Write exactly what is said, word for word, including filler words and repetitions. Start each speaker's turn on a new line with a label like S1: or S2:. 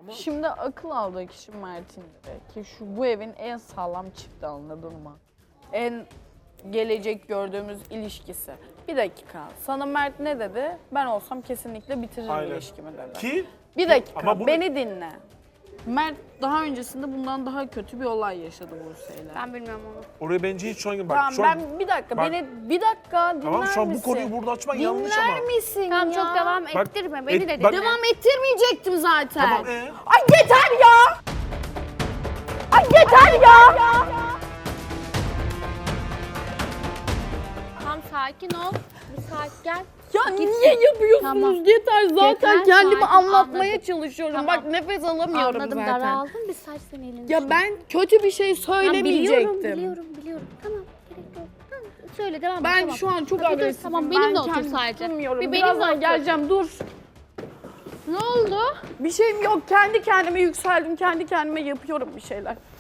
S1: Şimdi akıl aldığı kişi Mert'in ki şu bu evin en sağlam çifti, anladın mı? En gelecek gördüğümüz ilişkisi. Bir dakika. Sana Mert ne dedi? Ben olsam kesinlikle bitiririm
S2: Aynen.
S1: ilişkimi dedi.
S2: Ki
S1: Bir dakika.
S2: Ama bunu-
S1: Beni dinle. Mert daha öncesinde bundan daha kötü bir olay yaşadı Buse'yle.
S3: Ben bilmiyorum onu.
S2: oraya bence hiç şu an... Bak,
S1: Tamam
S2: şu an
S1: ben bir dakika
S2: Bak-
S1: beni bir dakika dinler
S2: tamam şu an bu
S1: misin?
S2: konuyu burada açmak yanlış
S1: Dinler
S2: ama.
S1: misin
S3: Tamam
S1: ya?
S3: çok devam
S2: Bak,
S3: ettirme. Beni
S2: et-
S3: de dinle.
S2: bak-
S1: Devam ettirmeyecektim zaten.
S2: Tamam ee?
S1: Ay yeter ya! Ay yeter ya!
S3: Tamam sakin ol. Bir sakin gel.
S1: Ya niye yapıyorsunuz?
S3: Tamam.
S1: Yeter zaten
S3: Yeter,
S1: kendimi
S3: sakin,
S1: anlatmaya
S3: anladım.
S1: çalışıyorum.
S3: Tamam.
S1: Bak nefes alamıyorum
S3: Anladım
S1: zaten.
S3: daraldım. Bir saç seni elini.
S1: Ya ben kötü bir şey
S3: Tamam,
S1: söylemeyecektim.
S3: biliyorum biliyorum biliyorum. Tamam gerek yok. Tamam söyle devam et.
S1: Ben
S3: tamam.
S1: şu an çok
S3: Hadi dur,
S1: agresifim.
S3: Tamam
S1: Ben
S3: benimle otur
S1: kendimi
S3: sadece.
S1: tutmuyorum.
S3: Bir benimle
S1: Birazdan
S3: otur.
S1: geleceğim, dur.
S3: Ne oldu?
S1: Bir şeyim yok. Kendi kendime yükseldim. Kendi kendime yapıyorum bir şeyler.